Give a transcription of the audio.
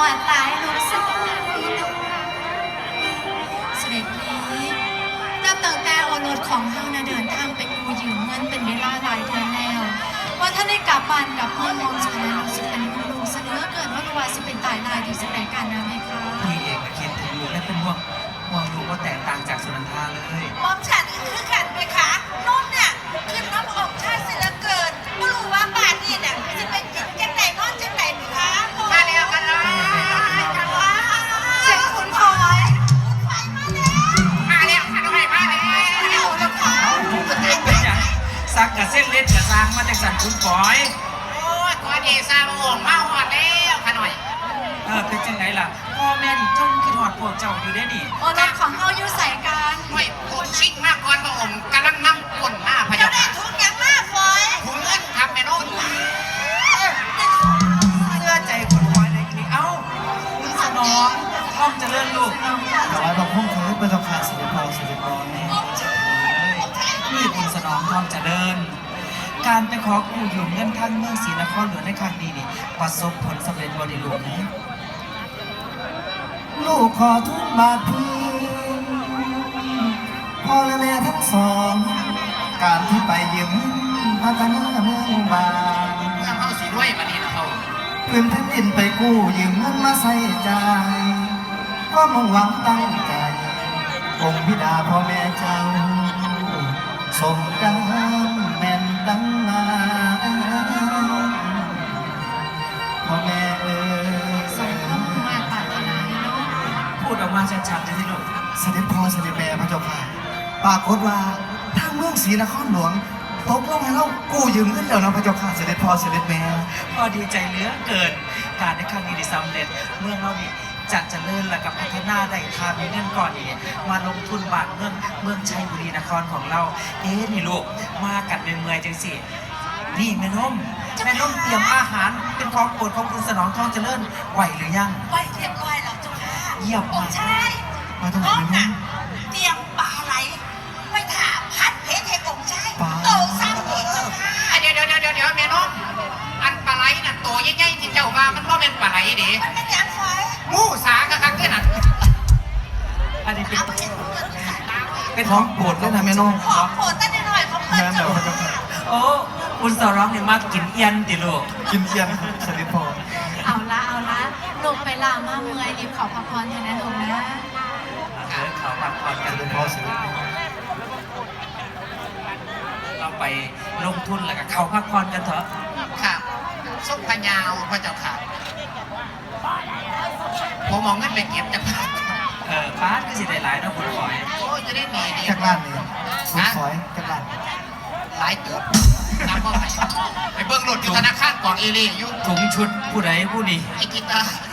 อนหลายลูกสาวเสด็จพี่นับตั้งแต่โอรสของเฮานะเดินทางไปกู้ยืมเงินเป็นเวลาหลายเดือนแล้วว่าถ้าได้กลับบ้านกับเมืองมองฉันรู้สึกเป็นลูกเสนอเกิดว่าสิเป็นตายลายที่จะแต่งกันนะไหมคะพี่เองก็คิดถึงลูกและเป็นห่วงลูกว่าแตกต่างจากสุนันทาเลยมองฉันคือกันไหมคะนุ่นเนี่ยขึ้นน้ำอกชาติเสียเกินไม่รู้ว่าบ้านนี่เนี่ยจะเป็นกินจังไหนนอนจังไหนไหมคะมาแล้วกันเลยกันว่าเสียงคุณพลอยคุณไฟมาแล้วขันไฟมาแล้วแล้วค่ะเป็นอย่างซักกับเส้นเล็ดกับซางมาจากสันคุณปอยโอ้ยตัวเดซ่าโอ่งเมาหอดแล้วขน่อยเป็นจังไหนล่ะพ่อแม่นี่จ้องคิดหอดพวกเจ้าอยู่ได้นี่โอรสของเฮาอยู่ใส่กันไม่ผมชิ่งมากก่อนพระองค์กำลังนั่งกลนหน้าพระเจ้าค่ะถุงยังมากฝอยถุงเงินทำแม่นุ่นเสื้อใจคุณปอยในคลิปเอ้าคุณสนองต้องเจริญลูกถวายบังคมคือเป็นราคาสิริพรสิริพรนี่คุณสนองต้องเจริญการไปขอกู้ยืมเงินทั้งเมืองศรีนครหลวงในครั้งนี้นี่ประสบผลสำเร็จบริลูกนะลูกขอทุกบาทพี่พ่อและแม่ทั้งสองการที่ไปยืมพัฒนาเมืองบางเมืองเขาสีด้วยมาดีนะเขาพื้นแผ่นดินไปกู้ยืมเงินมาใส่ใจก็มุ่งหวังตั้งใจองค์บิดาพ่อแม่เจ้าสมกันแม่นดังมาพ่อแม่สมคำมาปรารถนาให้ลูกพูดออกมาชัดๆเลยที่ลูกเสด็จพ่อเสด็จแม่พระเจ้าค่ะปรากฏว่าทางเมืองศรีนครหลวงตกลงให้เรากู้ยืมเงินแล้วนะพระเจ้าค่ะเสด็จพ่อเสด็จแม่พอดีใจเหลือเกินการในครั้งนี้ได้สำเร็จเมืองเรานี่จะเจริญและกับพัฒนาได้ทามีเงินก่อนนี่มาลงทุนบ้านเมืองชัยบุรีนครของเรานี่ลูกมากัดเมื่อยจังสินี่แม่นมเตรียมอาหารเป็นของโปรดของคุณสนองทองเจริญไหวหรือยังไหวเรียบร้อยแล้วเจ้าค่ะเยี่ยมมากใช่มาตรงไหนแม่นมเตรียมปลาไหลไปถามพัดเพชรให้องค์ชายโตซ้ำอีกเจ้าค่ะเดี๋ยวแม่นมอันปลาไหลน่ะโตใหญ่ๆที่เจ้าว่ามันก็เป็นปลาไหลดิมันเป็นอย่างไรมูสากระคักแค่นั้นอันนี้เป็นของโปรดเลยนะแม่นมของโปรดตั้งแต่น้อยของเพื่อนเจ้าโอ้คุณสร้องเนี่ยมากินเอียนติลูกกินเอียนเสด็จพ่อเอาละลูกไปลามาเมื่อยรีบขอพักผ่อนเถอะนะลูกนะเขาพักผ่อนกันเสด็จพ่อเสด็จแม่เราไปลงทุนแล้วก็เขาพักผ่อนกันเถอะค่ะส้มพญาวพระเจ้าค่ะผมมองเงินไปเก็บจากป้าก็สิได้หลายนะคุณฝอยโอ้จะได้หนีดีจากร้านนี้คุณฝอยจากร้านหลายเติบน้ำบ่ไหลไปเบิ้งรถอยู่ธนาคารกองเอเล่อยู่ถุงชุดผู้ใดผู้นี้ไอ้กีตาร์